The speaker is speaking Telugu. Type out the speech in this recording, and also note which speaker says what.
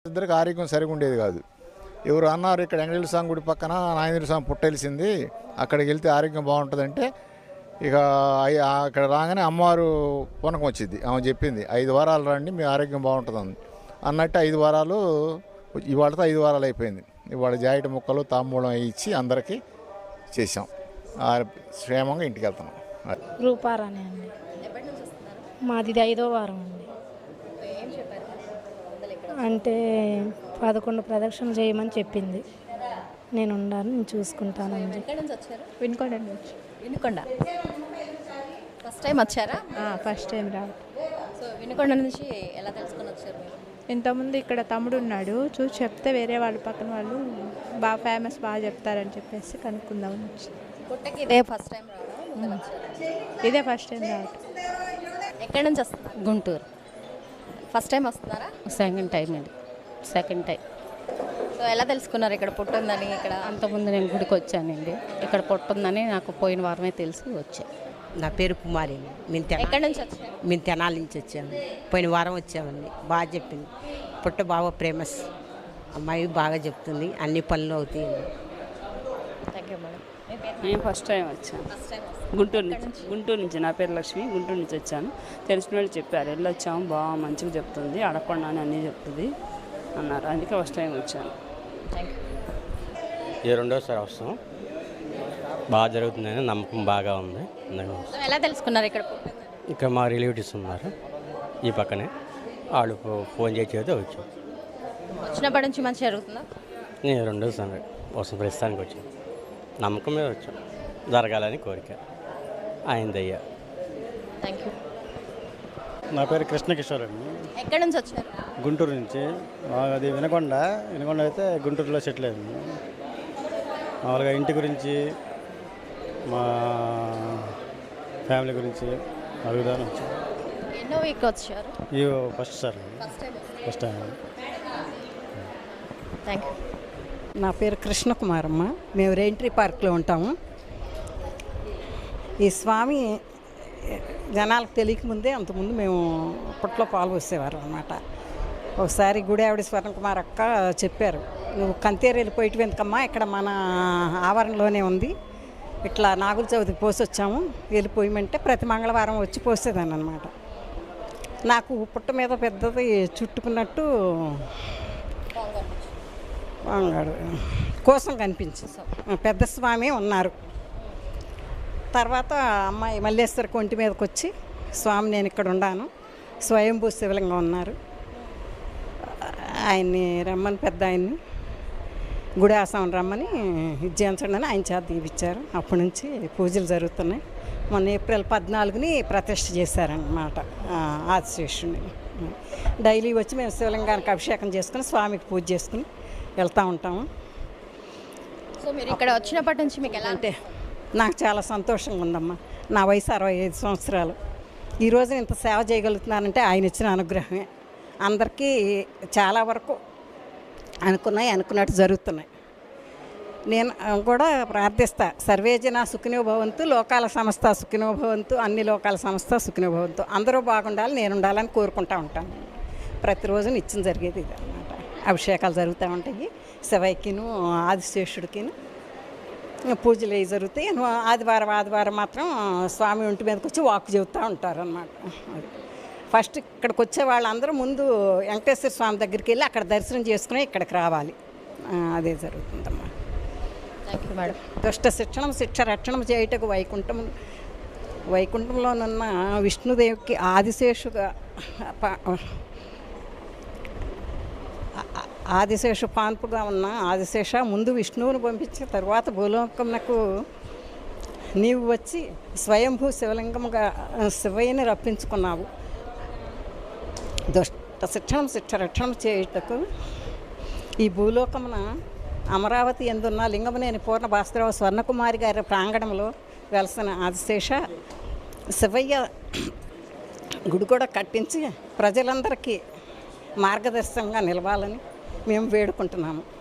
Speaker 1: ఇద్దరికి ఆరోగ్యం సరిగా ఉండేది కాదు. ఎవరు అన్నారు ఇక్కడ వెంకటేశ్వర స్వామి గుడి పక్కన నాగేంద్ర స్వామి పుట్టెలిసింది, అక్కడికి వెళ్తే ఆరోగ్యం బాగుంటుందంటే ఇక అక్కడ రాగానే అమ్మవారు పూనకం వచ్చింది. ఆమె చెప్పింది 5 వారాలు రండి మీ ఆరోగ్యం బాగుంటుంది అన్నట్టు 5 వారాలు. ఇవాళతో 5 వారాలు అయిపోయింది. ఇవాళ జాయిట్ ముక్కలు తాంబూలం ఇచ్చి అందరికీ చేసాం. క్షేమంగా ఇంటికి వెళ్తున్నాం.
Speaker 2: రూపారాణి అండి. మాది 5వ వారం అండి. అంటే 11 ప్రదక్షిణలు చేయమని చెప్పింది. నేను ఉండాను, నేను చూసుకుంటానండి.
Speaker 3: వినుకొండ నుంచి. వినుకొండ
Speaker 4: ఫస్ట్ టైం వచ్చారా?
Speaker 3: ఫస్ట్ టైం రావు.
Speaker 4: సో వినుకొండ నుంచి ఎలా తెలుసుకొని వచ్చారు మీరు?
Speaker 3: ఇంతకుముందు ఇక్కడ తమ్ముడు ఉన్నాడు, చూసి చెప్తే వేరే వాళ్ళు పక్కన వాళ్ళు బాగా ఫేమస్, బాగా చెప్తారని చెప్పేసి కనుక్కుందామని వచ్చి.
Speaker 4: పుట్టకి ఇదే ఫస్ట్ టైం రావడం?
Speaker 3: ఇదే ఫస్ట్ టైం రావటం.
Speaker 4: ఎక్కడి నుంచి వస్తున్నారు?
Speaker 5: గుంటూరు.
Speaker 4: ఫస్ట్ టైం వస్తున్నారా?
Speaker 5: సెకండ్ టైం అండి. Second time.
Speaker 4: సో ఎలా తెలుసుకున్నారు ఇక్కడ పుట్టుందని? ఇక్కడ
Speaker 5: అంతకుముందు నేను గుడికి వచ్చానండి. ఇక్కడ పుట్టుందని నాకు పోయిన వారమే తెలిసి వచ్చా.
Speaker 6: నా పేరు కుమారి.
Speaker 4: ఎక్కడి నుంచి వచ్చారు?
Speaker 6: మేము తెనాలి నుంచి వచ్చాము. పోయిన వారం వచ్చామండి. బాగా చెప్పింది. పుట్ట బాగా ఫేమస్. అమ్మాయి బాగా చెప్తుంది, అన్ని పనులు అవుతాయండి.
Speaker 4: Thank you madam.
Speaker 7: నేను ఫస్ట్ టైం వచ్చాను. గుంటూరు నుంచి. నా పేరు లక్ష్మి. గుంటూరు నుంచి వచ్చాను. తెలిసిన వాళ్ళు చెప్పారు, వెళ్ళొచ్చాము, బాగా మంచిగా చెప్తుంది, అడగకుండా అని అన్నీ చెప్తుంది అన్నారు. అందుకే ఫస్ట్ టైం వచ్చాను.
Speaker 4: Thank you.
Speaker 8: ఇది రెండోసారి వస్తాం. బాగా జరుగుతుందని నమ్మకం బాగా ఉంది.
Speaker 4: సో ఎలా తెలుసుకున్నారు ఇక్కడ పుట్టిందని?
Speaker 8: ఇక్కడ మా రిలేటివ్స్ ఉన్నారు ఈ పక్కనే, వాళ్ళు ఫోన్ చేసి చెబితే వచ్చాం.
Speaker 4: వచ్చినప్పటి నుంచి మంచిగా జరుగుతుందా?
Speaker 8: నేను రెండోసారి వస్తాం. ప్రస్తుతానికి వచ్చాం. నమ్మకం మీద వచ్చాం. జరగాలని కోరిక అయిందయ్యా.
Speaker 4: Thank you.
Speaker 9: నా పేరు కృష్ణకిషోర్ అండి.
Speaker 4: ఎక్కడి నుంచి వచ్చారు?
Speaker 9: గుంటూరు నుంచి. అది వినకొండ అయితే గుంటూరులో సెటిల్ అయింది. మామూలుగా ఇంటి గురించి, మా ఫ్యామిలీ గురించి అడుగుదాని వచ్చాను.
Speaker 4: ఎన్నో వీక్ వచ్చారు?
Speaker 9: ఇది first sir. First time.
Speaker 4: Thank you.
Speaker 10: నా పేరు కృష్ణకుమారమ్మ. మేము రెయింట్రీ పార్క్లో ఉంటాము. ఈ స్వామి జనాలకు తెలియకముందే అంతకుముందు మేము అప్పట్లో పాలు పోసేవారు అనమాట. ఒకసారి గుడి ఆవిడ స్వర్ణకుమార్ అక్క చెప్పారు, నువ్వు కంతేరు వెళ్ళిపోయేటివి ఎందుకమ్మా, ఇక్కడ మన ఆవరణలోనే ఉంది, ఇట్లా నాగుల చవితికి పోసొచ్చాము, వెళ్ళిపోయమంటే ప్రతి మంగళవారం వచ్చి పోసేదాన్ని అనమాట. నాకు పుట్ట మీద పెద్దది చుట్టుకున్నట్టు కోసం కనిపించింది. పెద్ద స్వామి ఉన్నారు. తర్వాత అమ్మాయి మల్లేశ్వర కొంటి మీదకి వచ్చి, స్వామి నేను ఇక్కడ ఉన్నాను, స్వయంభూ శివలింగం ఉన్నారు, ఆయన్ని రమ్మని, పెద్ద ఆయన్ని గుడి ఆశ్రమం రమ్మని ఇచ్చేయించండి అని ఆయన చేత దీవిచ్చారు. అప్పటి నుంచి పూజలు జరుగుతున్నాయి. మొన్న ఏప్రిల్ 14ని ప్రతిష్ఠ చేశారన్నమాట ఆదిశేషుని. డైలీ వచ్చి మేము శివలింగానికి అభిషేకం చేసుకుని స్వామికి పూజ చేసుకుని వెళ్తూ ఉంటాము.
Speaker 4: సో మీరు ఇక్కడ వచ్చినప్పటి నుంచి మీకు ఎలా
Speaker 10: అంటే నాకు చాలా సంతోషంగా ఉందమ్మా. నా వయసు 65 సంవత్సరాలు. ఈరోజు ఇంత సేవ చేయగలుగుతున్నానంటే ఆయన ఇచ్చిన అనుగ్రహమే. అందరికీ చాలా వరకు అనుకున్నట్టు జరుగుతున్నాయి. నేను కూడా ప్రార్థిస్తా, సర్వే జన సుఖినో భవంతు, లోకాల సంస్థ సుఖినో భవంతు, అన్ని లోకాల సంస్థ సుఖినో భవంతు, అందరూ బాగుండాలి, నేను ఉండాలని కోరుకుంటూ ఉంటాను. ప్రతిరోజు నిత్యం జరిగేది ఇది అన్నమాట. అభిషేకాలు జరుగుతూ ఉంటాయి. శివయ్యకిను ఆదిశేషుడికిను పూజలు అవి జరుగుతాయి. ఆదివారం మాత్రం స్వామి ఒంటి మీదకి వచ్చి వాక్ చెబుతూ ఉంటారు అన్నమాట. ఫస్ట్ ఇక్కడికి వచ్చే వాళ్ళందరూ ముందు వెంకటేశ్వర స్వామి దగ్గరికి వెళ్ళి అక్కడ దర్శనం చేసుకుని ఇక్కడికి రావాలి. అదే జరుగుతుందమ్మా.
Speaker 4: Thank you madam.
Speaker 10: దుష్ట శిక్షణం శిక్ష రక్షణం చేయుటకు వైకుంఠంలోనున్న విష్ణుదేవికి ఆదిశేషు పాన్పుగా ఉన్న ఆదిశేష ముందు విష్ణువుని పంపించి తర్వాత భూలోకమునకు నీవు వచ్చి స్వయంభూ శివలింగముగా శివయ్యని రప్పించుకున్నావు. దుష్ట శిక్షణం శిక్ష రక్షణం చేయుటకు ఈ భూలోకమున అమరావతి ఎందున్న లింగమునేని పూర్ణ భాస్కరరావు స్వర్ణకుమారి గారి ప్రాంగణంలో వెలసిన ఆదిశేష శివయ్య గుడి కూడా కట్టించి ప్రజలందరికీ మార్గదర్శకంగా నిలవాలని మేము వేడుకుంటున్నాము.